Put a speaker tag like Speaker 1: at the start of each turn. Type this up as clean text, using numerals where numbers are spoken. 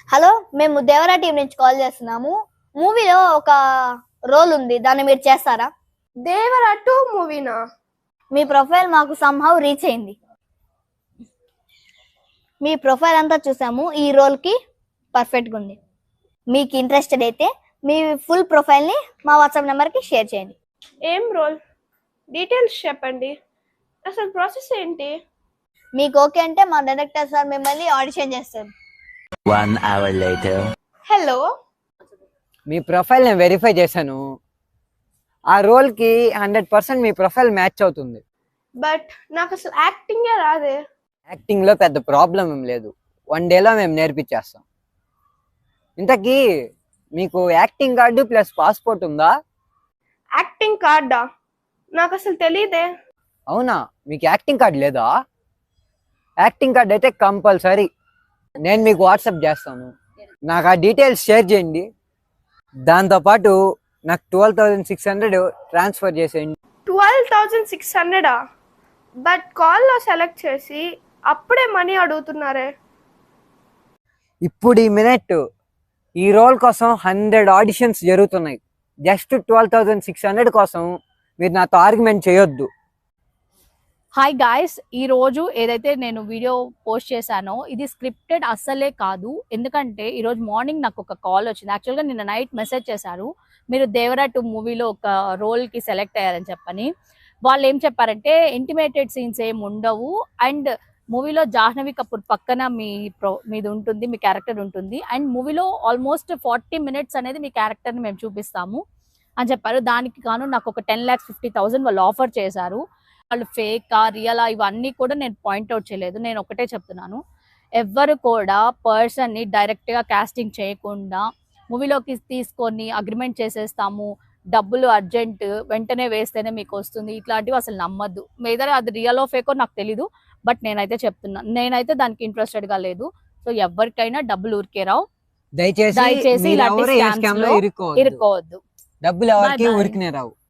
Speaker 1: Hello, మేము Devara team నుంచి call చేస్తున్నాము. మూవీలో ఒక రోల్ ఉంది, దాన్ని మీరు చేస్తారా?
Speaker 2: దేవరా 2 మూవీనా?
Speaker 1: మీ ప్రొఫైల్ మాకు సంహౌ రీచ్ అయింది. మీ ప్రొఫైల్ అంతా చూసాము, ఈ రోల్ కి పర్ఫెక్ట్ గా ఉంది. మీకు ఇంట్రెస్టెడ్ అయితే మీ ఫుల్ ప్రొఫైల్ ని మా వాట్సాప్ నెంబర్ కి షేర్ చేయండి.
Speaker 2: ఏం రోల్? డీటెయిల్స్ చెప్పండి. అసలు ప్రాసెస్ ఏంటి?
Speaker 1: మీకు ఓకే అంటే మా డైరెక్టర్ సార్ మిమ్మల్ని ఆడిషన్ చేస్తారు.
Speaker 3: 1 hour later.
Speaker 2: హలో,
Speaker 4: మీ ప్రొఫైల్ నేను వెరిఫై చేశాను. ఆ రోల్కి 100% మీ ప్రొఫైల్ మ్యాచ్ అవుతుంది.
Speaker 2: బట్ నాకు అసలు యాక్టింగే రాదే.
Speaker 4: యాక్టింగ్లో పెద్ద ప్రాబ్లం ఏం లేదు, 1 డేలో మేము నేర్పించేస్తాం. ఇంతకీ మీకు యాక్టింగ్ కార్డు ప్లస్ పాస్పోర్ట్ ఉందా?
Speaker 2: యాక్టింగ్ కార్డా? నాకు అసలు తెలీదే.
Speaker 4: అవునా, మీకు యాక్టింగ్ కార్డు లేదా? యాక్టింగ్ కార్డు అయితే కంపల్సరీ నేను మీకు వాట్సాప్ చేస్తాను. నాకు ఆ డీటెయిల్స్ షేర్ చేయండి. దాంతోపాటు నాకు 12,600 ట్రాన్స్ఫర్ చేసేయండి.
Speaker 2: 12,600? బట్ కాల్లో సెలెక్ట్ చేసి అప్పుడే మనీ అడుగుతున్నారే.
Speaker 4: ఇప్పుడు ఈ మినిట్ ఈ రోల్ కోసం 100 ఆడిషన్స్ జరుగుతున్నాయి. జస్ట్ 12,600 కోసం మీరు నాతో ఆర్గ్యుమెంట్ చేయొద్దు.
Speaker 5: హాయ్ గాయస్, ఈ రోజు ఏదైతే నేను వీడియో పోస్ట్ చేశానో ఇది స్క్రిప్టెడ్ అస్సలే కాదు. ఎందుకంటే ఈరోజు మార్నింగ్ నాకు ఒక కాల్ వచ్చింది. యాక్చువల్గా నిన్న నైట్ మెసేజ్ చేశారు, మీరు దేవరా 2 మూవీలో ఒక రోల్కి సెలెక్ట్ అయ్యారని చెప్పని. వాళ్ళు ఏం చెప్పారంటే ఇంటిమేటెడ్ సీన్స్ ఏం ఉండవు, అండ్ మూవీలో జాహ్నవి కపూర్ పక్కన మీది ఉంటుంది, మీ క్యారెక్టర్ ఉంటుంది, అండ్ మూవీలో ఆల్మోస్ట్ 40 మినిట్స్ అనేది మీ క్యారెక్టర్ని మేము చూపిస్తాము అని చెప్పారు. దానికి గాను నాకు ఒక 10,50,000 వాళ్ళు ఆఫర్ చేశారు. వాళ్ళు ఫేకా రియలా ఇవన్నీ కూడా నేను పాయింట్అవుట్ చేయలేదు. నేను ఒకటే చెప్తున్నాను, ఎవ్వరు కూడా పర్సన్ని డైరెక్ట్గా కాస్టింగ్ చేయకుండా మూవీలోకి తీసుకొని అగ్రిమెంట్ చేసేస్తాము, డబ్బులు అర్జెంట్ వెంటనే వేస్తేనే మీకు వస్తుంది, ఇట్లాంటివి అసలు నమ్మద్దు. మీదర అది రియల్ ఫేకో నాకు తెలీదు, బట్ నేనైతే చెప్తున్నాను, నేనైతే దానికి ఇంట్రెస్టెడ్గా లేదు. సో ఎవరికైనా డబ్బులు ఊరికే రావు. దయచేసి ఇలాంటి స్కామ్స్ లో ఇరుక్కోవద్దు.
Speaker 4: డబ్బులు ఎవరికి ఊరికనే రావు.